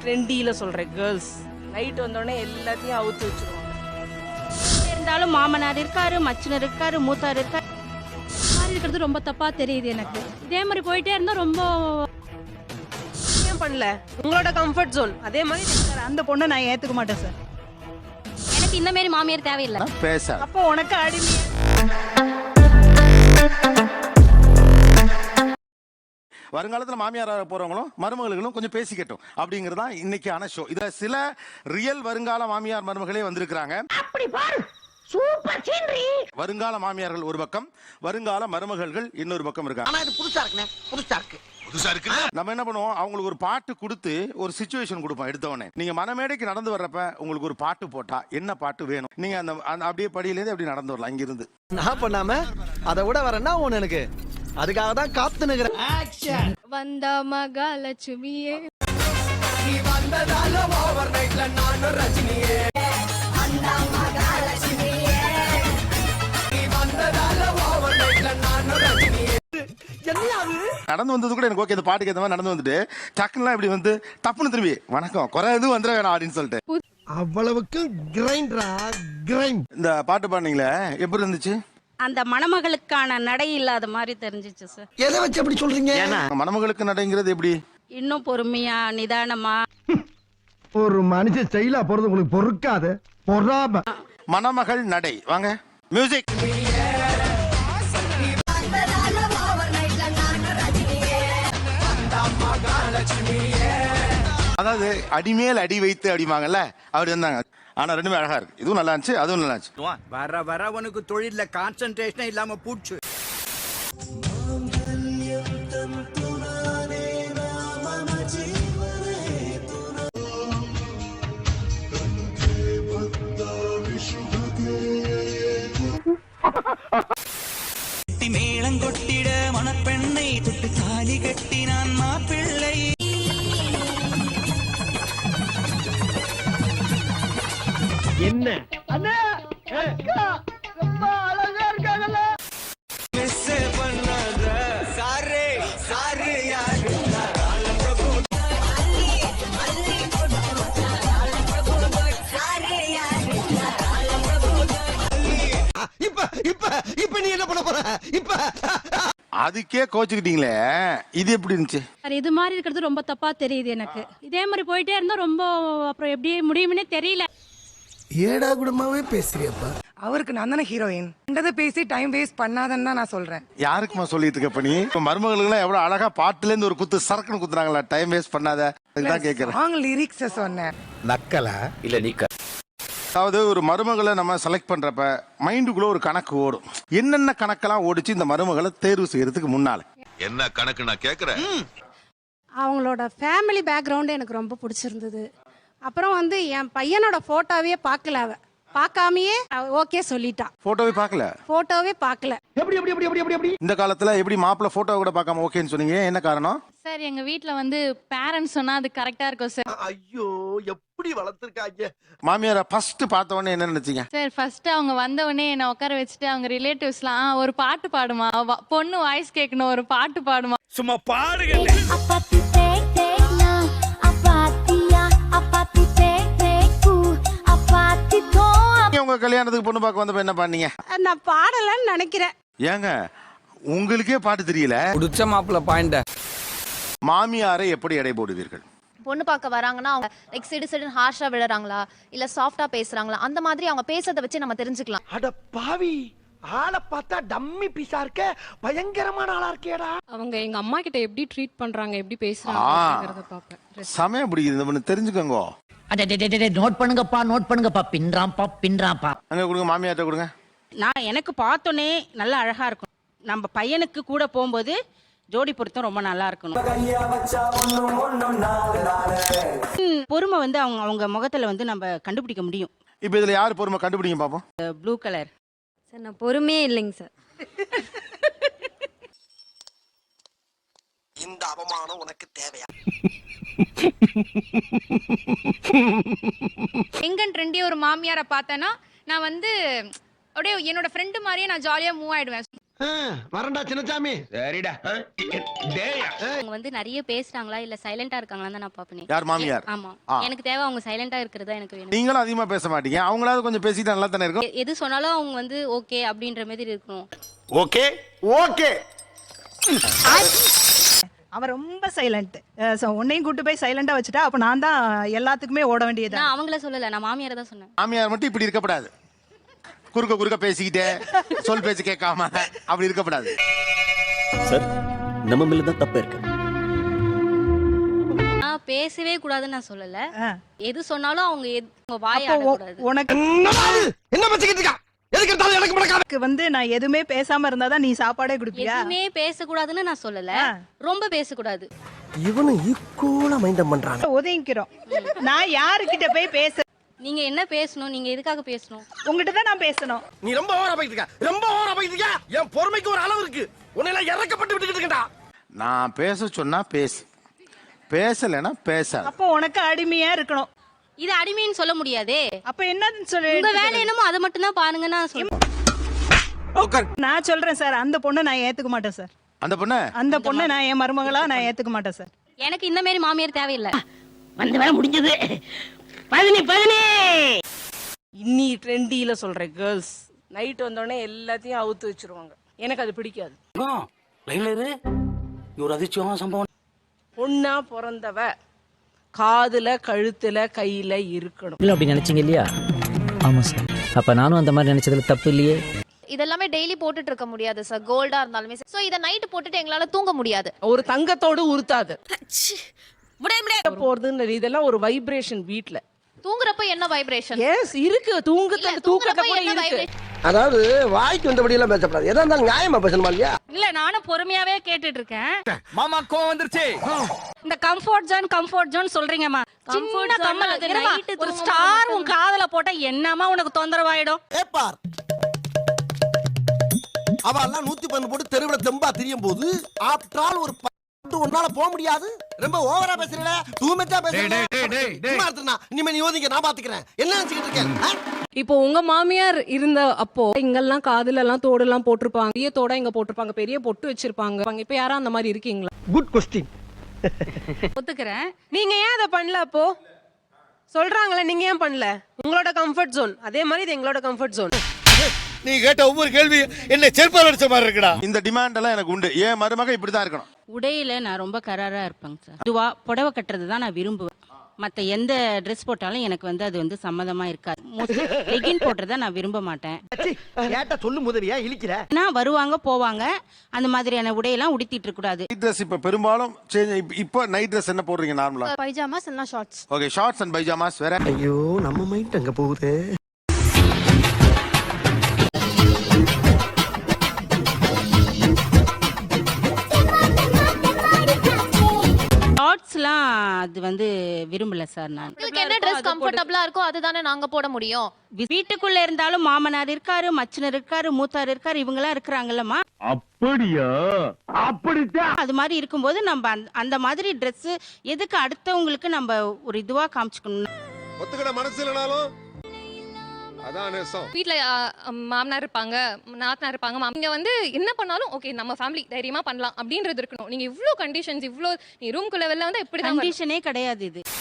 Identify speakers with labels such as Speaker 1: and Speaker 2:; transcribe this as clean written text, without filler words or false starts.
Speaker 1: ட்ரெண்டியில சொல்றேன். Girls night வந்தோடனே எல்லாத்தையும் அவுத்து வச்சிருவாங்க. இருந்தாலும் மாமனார் இருக்காரு, மச்சினர் இருக்காரு, மூத்தார் இருக்காரு.
Speaker 2: மாறி இருக்கிறது ரொம்ப தப்பா தெரியுது எனக்கு. இதே மாதிரி போயிட்டே இருந்தா ரொம்ப
Speaker 1: ஏன் பண்ணல? உங்களோட கம்ஃபர்ட் ஜோன் அதே மாதிரி.
Speaker 3: அந்த பொண்ணை நான் ஏத்துக்க மாட்டேன் சார்.
Speaker 2: எனக்கு இந்த மாதிரி மாமியார் தேவையில்லை.
Speaker 4: பேச
Speaker 3: அப்போ உனக்கு அடிமையா
Speaker 4: வருங்காலத்தில் மாமியாராக போறவங்களும் மருமகளும் கொஞ்சம் பேசிக்கட்டும் அப்படிங்கறதா இன்னைக்கான ஷோ. இதுல சில ரியல் வருங்கால மாமியார் மருமகளே வந்திருக்கிறாங்க. வருங்கால மாமியார்கள் ஒரு பக்கம், வருங்கால மருமகள்கள் இன்னொரு பக்கம் இருக்காங்க.
Speaker 5: ஆனா இது புதுசா இருக்குனே, புதுசா இருக்கு.
Speaker 4: நம்ம என்ன பண்ணுவோம், அவங்களுக்கு ஒரு பாட்டு கொடுத்து ஒரு சிச்சுவேஷன் கொடுப்போம். எடுத்தவொடனே நீங்க மனமேடைக்கு நடந்து வர்றப்ப உங்களுக்கு ஒரு பாட்டு போட்டா என்ன பாட்டு வேணும், நீங்க அந்த அப்படியே படியிலேருந்து அப்படி நடந்து வரலாம். இங்கிருந்து
Speaker 5: நான் பண்ணாம அதை விட வரேன்னா ஒண்ணு எனக்கு அதுக்காக தான் காத்து நிக்கிறேன்.
Speaker 2: வந்த மகாலட்சுமியே
Speaker 4: நடந்து வந்தது கூட எனக்கு ஓகே, இந்த பாட்டுக்கு ஏற்ற மாதிரி நடந்து வந்துட்டு டக்குலாம் இப்படி வந்து டப்புன்னு திரும்பி வணக்கம் குறை எதுவும் வந்துட வேணாம் அப்படின்னு சொல்லிட்டு
Speaker 5: அவ்வளவுக்கு கிரைண்டரா கிரைண்ட்.
Speaker 4: இந்த பாட்டு பாடுனீங்களே எப்படி இருந்துச்சு?
Speaker 1: அந்த மணமகளுக்கான நடை இல்லாத மாதிரி தெரிஞ்சிச்சு சார்.
Speaker 5: எதை வச்சு அப்படி சொல்றீங்க?
Speaker 4: மணமகளுக்கு நடைங்கிறது எப்படி?
Speaker 1: இன்னும் பொறுமையா நிதானமா.
Speaker 5: ஒரு மனுஷன் ஸ்டைலா போறது உங்களுக்கு பொறுக்காது. பொறாம
Speaker 4: மணமகள் நடை. வாங்க மியூசிக். அதாவது அடிமேல் அடி வைத்து அடிவாங்கல்ல, அப்படி இருந்தாங்க. ஆனா ரெண்டுமே அழகா இருக்கு. இதுவும் நல்லா இருந்துச்சு, அதுவும் நல்லா இருந்துச்சு.
Speaker 6: வர வர உனக்கு தொழில கான்சென்ட்ரேஷன் இல்லாம பூச்சு.
Speaker 7: மேளங்கொட்டிட மணப்பெண்ணை தொட்டு தாலி கட்டினான் மாப்பிள்ளை.
Speaker 5: என்ன அண்ணா ரொம்ப அழகா இருக்காங்கல்ல.
Speaker 7: மிஸ் பண்ணாத சாரே சாரு யாரு
Speaker 5: இப்ப இப்ப இப்ப நீ என்ன பண்ண போற? இப்ப
Speaker 4: அதுக்கே கோச்சுக்கிட்டீங்களே, இது எப்படி இருந்துச்சு?
Speaker 2: இது மாதிரி இருக்கிறது ரொம்ப தப்பா தெரியுது எனக்கு. இதே மாதிரி போயிட்டே இருந்தா ரொம்ப அப்புறம் எப்படி முடியும்னே தெரியல.
Speaker 5: ஏடா குடமாவே பேசுறியப்பா.
Speaker 3: அவருக்கு நான் தானே ஹீரோயின். கண்டதை பேசி டைம் வேஸ்ட் பண்ணாதன்னு தான் நான் சொல்றேன்.
Speaker 4: யாருக்குமா சொல்லிட்டு இருக்க பண்ணி? இப்ப மருமகளுக்கு எவ்வளவு அழகா பாட்டுல இருந்து ஒரு குத்து சரக்குன்னு குத்துறாங்களா, டைம் வேஸ்ட் பண்ணாத. அதுதான் கேக்குறேன்.
Speaker 3: சாங் லிரிக்ஸ் சொன்னேன்.
Speaker 5: நக்கலா இல்ல நீக்க.
Speaker 4: அதாவது ஒரு மருமகளை நம்ம செலக்ட் பண்றப்ப மைண்டுக்குள்ள ஒரு கணக்கு ஓடும். என்னென்ன கணக்கெல்லாம் ஓடிச்சு இந்த மருமகளை தேர்வு செய்யறதுக்கு முன்னால?
Speaker 8: என்ன கணக்கு நான் கேக்குறேன்.
Speaker 9: அவங்களோட ஃபேமிலி பேக்ரவுண்டு எனக்கு ரொம்ப பிடிச்சிருந்தது. அப்புறம் வந்து என் பையனோட போட்டோவே பார்க்கல, அவ பார்க்காமயே ஓகே சொல்லிட்டா.
Speaker 4: போட்டோவே பார்க்கல?
Speaker 9: போட்டோவே பார்க்கல.
Speaker 5: எப்படி எப்படி எப்படி எப்படி எப்படி
Speaker 4: இந்த காலத்துல எப்படி மாப்பிள்ள போட்டோ கூட பார்க்காம ஓகேன்னு சொன்னீங்க, என்ன காரணம்?
Speaker 2: சார் எங்க வீட்ல வந்து பேரண்ட்ஸ் சொன்னா அது கரெக்டா இருக்கும் சார்.
Speaker 5: ஐயோ எப்படி வளர்த்திருக்காங்க.
Speaker 4: மாமியார ஃபர்ஸ்ட் பார்த்த உடனே என்ன நினைச்சீங்க?
Speaker 2: சார் ஃபர்ஸ்ட் அவங்க வந்த உடனே என்ன உட்கார வச்சுட்டு அவங்க ரிலேட்டிவ்ஸ்லாம் ஒரு பாட்டு பாடுமா, பொண்ணு வாய்ஸ் கேட்கணும், ஒரு பாட்டு பாடுமா.
Speaker 6: சும்மா பாடுங்க.
Speaker 4: உங்க கல்யாணத்துக்கு பொண்ணு பார்க்க வந்தப்ப என்ன பண்ணீங்க?
Speaker 9: நான் பாடலன்னு நினைக்கிறேன்.
Speaker 4: ஏங்க உங்களுக்கே பாட்டு தெரியல?
Speaker 6: புடிச்ச மாப்பிள்ள பாயிண்ட.
Speaker 4: மாமியாரை எப்படி எடை போடுவீர்கள்?
Speaker 10: பொண்ணு பார்க்க வராங்கன்னா அவங்க லைக் சிடு ஹார்ஷா விடுறாங்களா இல்ல சாஃப்டா பேசுறாங்களா, அந்த மாதிரி அவங்க பேசுறத வச்சு நம்ம தெரிஞ்சுக்கலாம்.
Speaker 5: அட பாவி, ஆளை பார்த்தா டம்மி பீஸா இருக்க, பயங்கரமான ஆளா இருக்கேடா.
Speaker 2: அவங்க எங்க அம்மா கிட்ட எப்படி ட்ரீட் பண்றாங்க, எப்படி பேசுறாங்கங்கறத பாப்பேன்.
Speaker 4: சமயம் பிடிக்குது, இந்த பொண்ணு தெரிஞ்சுக்கோங்க.
Speaker 5: நோட் பண்ணுங்கப்பா பின்றாம்பா.
Speaker 4: அங்க கொடுங்க, மாமியார்ட்ட கொடுங்க.
Speaker 1: நான் எனக்கு பார்த்தோன்னே நல்லா அழகா இருக்கும். நம்ம பையனுக்கு கூட போகும்போது ஜோடி பொருத்தம் ரொம்ப நல்லா இருக்கணும். பொறுமை வந்து அவங்க முகத்துல வந்து நம்ம கண்டுபிடிக்க முடியும்.
Speaker 4: இப்ப இதுல யாரு பொறுமை கண்டுபிடிங்க பாப்போம்.
Speaker 1: Blue colour.
Speaker 9: சார் நான் பொறுமையே இல்லைங்க சார்.
Speaker 5: இந்த அவமானம் உனக்கு தேவையா?
Speaker 2: எங்கன் ட்ரெண்டி ஒரு மாமியாரை பார்த்தேன்னா நான் வந்து அப்படியே என்னோட ஃப்ரெண்டு மாதிரியே நான் ஜாலியா மூவ் ஆயிடுவேன்.
Speaker 5: வரண்டா சின்னசாமி.
Speaker 6: சரிடா.
Speaker 10: அவங்க வந்து நிறைய பேசுறாங்களா இல்ல சைலண்டா இருக்காங்களான்னு தான் நான் பாப்பேன்.
Speaker 4: யார் மாமியார்?
Speaker 10: ஆமா, எனக்கு தேவை அவங்க சைலண்டா இருக்கிறதா எனக்கு வேணும்.
Speaker 4: நீங்களும் அதிகமா பேச மாட்டீங்க, அவங்களாவது கொஞ்சம் பேசிட்டு நல்லா தானே இருக்கும்.
Speaker 10: எது சொன்னாலும் அவங்க வந்து ஓகே அப்படின்ற மாதிரி இருக்கணும்.
Speaker 4: Okay okay.
Speaker 1: அவன் ரொம்ப சைலண்ட். உன்னையும் கூட்டு போய் சைலண்டா வச்சுட்டா அப்ப நான் தான் எல்லாத்துக்குமே ஓட வேண்டியது.
Speaker 10: நான் அவங்கள சொல்லல, நான் மாமியாரை தான் சொன்னேன்.
Speaker 4: மாமியார் மட்டும் இப்படி இருக்கக்கூடாது, குறுக்க பேசிக்கிட்டே சொல் பேச்சு கேட்காம அப்படி இருக்கக்கூடாது.
Speaker 5: சார் நம்ம மேல தான் தப்பு இருக்கு.
Speaker 10: நான் பேசவே கூடாதுன்னு நான் சொல்லல. எது சொன்னாலும் அவங்க வாய் ஆடக்கூடாது.
Speaker 1: உனக்கு
Speaker 5: என்ன பச்சிக்கிட்டு இருக்கா? எதுக்கு எடுத்தாலும் எனக்கு முடக்காத.
Speaker 1: வந்து நான் எதுவுமே பேசாம இருந்தாதான் நீ சாப்பாடே குடுப்பியா?
Speaker 10: எதுவுமே பேசக்கூடாதுன்னு நான் சொல்லல, ரொம்ப பேசக்கூடாது.
Speaker 5: இவனு ஈக்குவலா மைண்டம் பண்றானே.
Speaker 1: ஒதுங்கிக்கிறோம். நான் யாருக்கிட்ட போய் பேச?
Speaker 10: நீங்க என்ன பேசணும்? நீங்க எதுக்காக பேசணும்?
Speaker 1: உங்ககிட்ட தான் நான் பேசணும்.
Speaker 5: நீ ரொம்ப ஓவரா போயிட்டு இருக்க, ரொம்ப ஓவரா போயிட்டு இருக்க. என் பொறுமைக்கு ஒரு அளவு இருக்கு. உன்னை எல்லாம் இறக்கப்பட்டு விட்டுக்கிட்டு இருக்கடா.
Speaker 4: நான் பேச சொன்னா பேசு, பேசலைன்னா பேசாது.
Speaker 1: அப்போ உனக்கு அடிமையா இருக்கணும்.
Speaker 10: இது அடிமைன்னு சொல்ல முடியாதே.
Speaker 1: அப்ப என்னன்னு சொல்லு.
Speaker 10: உங்க வேலை என்னமோ அதை மட்டும் தான் பாருங்க. நான் சொல்றேன்.
Speaker 1: நான் சொல்றேன் சார், அந்த பொண்ணை நான் ஏத்துக்க மாட்டேன் சார்.
Speaker 4: அந்த பொண்ணு
Speaker 1: நான் என் மருமகளா நான் ஏத்துக்க மாட்டேன் சார்.
Speaker 10: எனக்கு இந்த மாதிரி மாமியார் தேவையில்லை.
Speaker 1: வந்து வேலை முடிஞ்சது. இன்னி ட்ரெண்டியில சொல்றேன், கேர்ள்ஸ் நைட் வந்தோடனே எல்லாத்தையும் அவுத்து வச்சிருவாங்க. எனக்கு அது பிடிக்காது.
Speaker 7: ஒரு அதிர்ச்சியான சம்பவம்.
Speaker 1: பொண்ணா பிறந்தவ காதுல கழுத்துல கையில இருக்கணும்.
Speaker 7: அப்படி நினைச்சீங்க இல்லையா? ஆமா சார். அப்ப நானும் அந்த மாதிரி நினைச்சதுல தப்பு இல்லையே.
Speaker 10: இதெல்லாமே டெய்லி போட்டுட்டு இருக்க முடியாது சார். கோல்டா இருந்தாலுமே சோ இத நைட் போட்டுட்டு எங்களால தூங்க முடியாது.
Speaker 1: ஒரு தங்கத்தோடு உருத்தாது போறதுன்னு. இதெல்லாம் ஒரு வைப்ரேஷன். வீட்ல
Speaker 10: தூங்குறப்ப என்ன வைப்ரேஷன்?
Speaker 1: எஸ் இருக்கு. தூக்கத்தை கூட இருக்கு.
Speaker 5: அதாவது வாய்க்கு வந்தபடி எல்லாம் பேசப்படாது. எதா இருந்தாலும் நியாயமா பேசணுமா இல்லையா?
Speaker 2: இல்ல நானும் பொறுமையாவே கேட்டுட்டு இருக்கேன்.
Speaker 6: மாமா கோவம் வந்துருச்சு.
Speaker 2: இந்த கம்ஃபர்ட் ஜோன் சொல்றீங்கம்மா. சின்ன கம்மல் அது நைட் ஒரு ஸ்டார் உன் காதுல போட்டா என்னமா உனக்கு தொந்தரவாயிடும்?
Speaker 5: ஏப்பார் அவ எல்லாம் 110 போட்டு தெருவுல தெம்பா திரியும் போது ஆஃப்டர் ஆல் ஒரு உன்னால போக முடியாது. ரொம்ப ஓவரா பேசுறீல, தூமச்சா பேசுறீல. இனிமே நீ யோசிங்க, நான் பாத்துக்கிறேன். என்ன நினைச்சிட்டு இருக்கேன்?
Speaker 1: இப்போ உங்க மாமியார் இருந்த அப்போ இங்கெல்லாம் காதுல எல்லாம் தோடு எல்லாம் போட்டிருப்பாங்க. பெரிய தோட இங்க போட்டிருப்பாங்க, பெரிய பொட்டு வச்சிருப்பாங்க. இப்ப யாரா அந்த மாதிரி இருக்கீங்களா?
Speaker 5: Good question.
Speaker 2: ஒத்துக்கிறேன்.
Speaker 1: நீங்க ஏன் அதை பண்ணல? அப்போ சொல்றாங்களே, நீங்க ஏன் பண்ணல? உங்களோட கம்ஃபர்ட் ஜோன் அதே மாதிரி இது எங்களோட கம்ஃபர்ட் ஜோன்.
Speaker 5: நீ கேட்ட ஒவ்வொரு கேள்வி என்ன செருப்பால் அடிச்ச மாதிரி இருக்குடா.
Speaker 4: இந்த டிமாண்ட் எல்லாம் எனக்கு உண்டு. ஏன் மருமக இப்படிதான் இருக்கணும்.
Speaker 1: உடையில நான் ரொம்ப கராரா இருப்பேங்க சார். இதுவா புடவை கட்டுறது தான் நான் விரும்புவேன். மற்ற எந்த ட்ரெஸ் போட்டாலும் எனக்கு வந்து அது வந்து சம்மதமா இருக்காது. லெகின் போடுறத நான் விரும்ப மாட்டேன்.
Speaker 5: கேட்ட சொல்லு முதலியா இழிக்கிற.
Speaker 1: நான் வருவாங்க போவாங்க, அந்த மாதிரியான உடையெல்லாம் உடுத்திட்டு இருக்க கூடாது.
Speaker 4: நைட் ட்ரெஸ் இப்ப பெரும்பாலும் இப்போ நைட் ட்ரெஸ் என்ன போடுறீங்க நார்மலா?
Speaker 10: பைஜாமாஸ் இல்ல shorts.
Speaker 4: Okay, shorts and pyjamas வேற.
Speaker 5: ஐயோ நம்ம மைண்ட் அங்க போகுது.
Speaker 1: ஷார்ட்ஸ்லாம் அது வந்து விரும்பல சார். நான்
Speaker 10: உங்களுக்கு என்ன ட்ரெஸ் கம்ஃபர்ட்டபிளா இருக்கோ அதுதானே நாங்க போட முடியும்.
Speaker 1: வீட்டுக்குள்ள இருந்தாலும் மாமனார் இருக்காரு, மச்சினர் இருக்காரு, மூத்தார் இருக்காரு, இவங்க எல்லாம் இருக்கிறாங்கல்லம்மா.
Speaker 5: அப்படியா? அப்படித்தான்.
Speaker 1: அது மாதிரி இருக்கும்போது நம்ம அந்த மாதிரி ட்ரெஸ் எதுக்கு அடுத்தவங்களுக்கு நம்ம ஒரு இதுவா காமிச்சுக்கணும்?
Speaker 8: ஒத்துக்கிட மனசு இல்லனாலும் அதான் நேசம்.
Speaker 2: வீட்ல மாமனார் இருப்பாங்க, நாத்தனார் இருப்பாங்க. நீங்க வந்து என்ன பண்ணாலும் ஓகே நம்ம ஃபேமிலி தைரியமா பண்ணலாம் அப்படின்றது இருக்கணும். நீங்க இவ்ளோ கண்டிஷன்ஸ், இவ்ளோ நீ ரூம்குள்ள வெளில வந்து இப்படி
Speaker 1: கண்டிஷனே கிடையாது இது.